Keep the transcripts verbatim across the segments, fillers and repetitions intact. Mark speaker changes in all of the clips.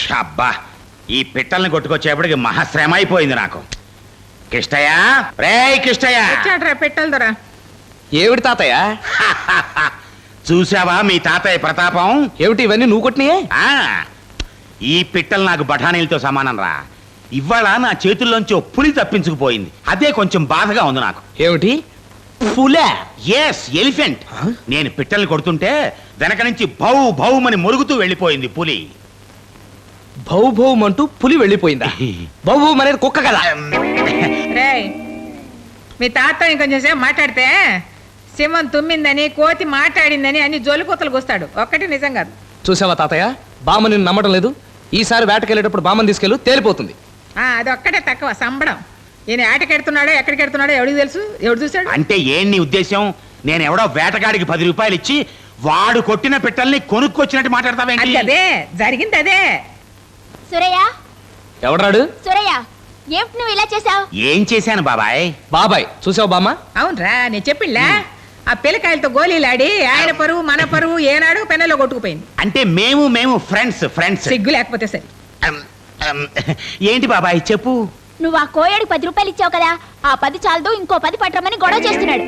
Speaker 1: అబ్బా ఈ పిట్టల్ని కొట్టుకొచ్చేపటికి మహాశ్రమ అయిపోయింది నాకు. కిష్టయ్య, రే కిష్టయ్య,
Speaker 2: వచ్చాడ్రా పెట్టాలి దొరా.
Speaker 3: ఏమిటి తాతయ్య?
Speaker 1: చూసావా మీ తాతయ్య ప్రతాపం?
Speaker 3: ఏమిటి ఇవన్నీ నువ్వు కొట్టినాయే?
Speaker 1: ఆ ఈ పిట్టలు నాకు బఠానీలతో సమానం రా. ఇవాళ నా చేతుల్లోంచి ఓ పులి తప్పించుకుపోయింది. అదే కొంచెం బాధగా ఉంది నాకు.
Speaker 3: ఏమిటి పులే?
Speaker 1: Yes, elephant. నేను పిట్టల్ని కొడుతుంటే వెనక నుంచి భౌ భౌమని మొరుగుతూ వెళ్ళిపోయింది పులి.
Speaker 3: భౌ భౌం అంటూ పులి వెళ్ళిపోయిందా? భౌ భౌం అనేది కుక్క కదా.
Speaker 2: రేయ్, మీ తాత ఇంకొంచెం సేపు మాట్లాడితే సింహం తుమ్మిందని కోతి మాట్లాడిందని అన్ని జోలికూతలు కూస్తాడు. ఒక్కటి నిజం కాదు.
Speaker 3: చూసావా తాతయ్య, బామ్మ నిన్ను నమ్మడం లేదు. ఈసారి వేటకెళ్ళేటప్పుడు బామ్మని తీసుకెళ్ళు, తేలిపోతుంది.
Speaker 2: ఆ అది ఒక్కటే తక్కువ సంబడం. ఈయన ఆటకెడుతున్నాడో ఎక్కడికి ఎడుతున్నాడో ఎవడికి తెలుసు? ఎవడు చూశాడు?
Speaker 1: అంటే ఏం నీ ఉద్దేశం? నేను ఎవడో వేటగాడికి పది రూపాయలు ఇచ్చి వాడు కొట్టిన పిట్టల్ని కొనుక్కొచ్చినట్టు
Speaker 2: అది
Speaker 1: మాట్లాడతావేంటి?
Speaker 2: అదే జరిగింది. అదే
Speaker 4: సురయ్య,
Speaker 3: ఎవడరాడు?
Speaker 4: సురయ్య, ఏమిటి నువ్వు ఇలా చేసావు?
Speaker 1: ఏం చేశాను బాబాయ్?
Speaker 3: బాబాయ్ చూసావు బామ్మ?
Speaker 2: అవునరా, నేను చెప్పిళ్ళా ఆ పిల్లకాయలతో గోళీలాడి ఆయన పరువు మన పరువు ఏనాడు పెన్నెలో కొట్టుకుపోయింది.
Speaker 1: అంటే మేము మేము ఫ్రెండ్స్ ఫ్రెండ్స్
Speaker 2: సిగ్గు లేకపోతే సరే.
Speaker 1: ఏంటి బాబాయ్ చెప్పు.
Speaker 4: నువ్వు ఆ కోయడికి పది రూపాయలు ఇచ్చావు కదా, ఆ పది చాలదు ఇంకో పది పట్టమని గొడవ చేస్తున్నాడు.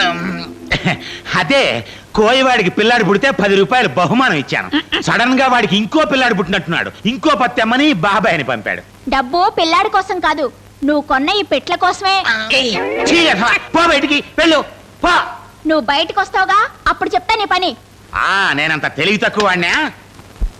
Speaker 1: అదే కోయవాడికి పిల్లాడు పుడితే పది రూపాయలు బహుమానం ఇచ్చాను. సడన్ గా వాడికి ఇంకో పిల్లాడు పుట్టినట్టున్నాడు. ఇంకో పత్తెమ్మని బాబాయ్ని పంపాడు.
Speaker 4: డబ్బు పిల్లాడి కోసం కాదు, నువ్వు కొన్న ఈ పెట్ల కోసమే.
Speaker 1: ఛీ, అసలు పో బయటికి వెళ్ళు పో.
Speaker 4: నువ్వు బయటకు వస్తావుగా, అప్పుడు చెప్తా నీ పని.
Speaker 1: ఆ నేనంత తెలివి తక్కువ వాడినా?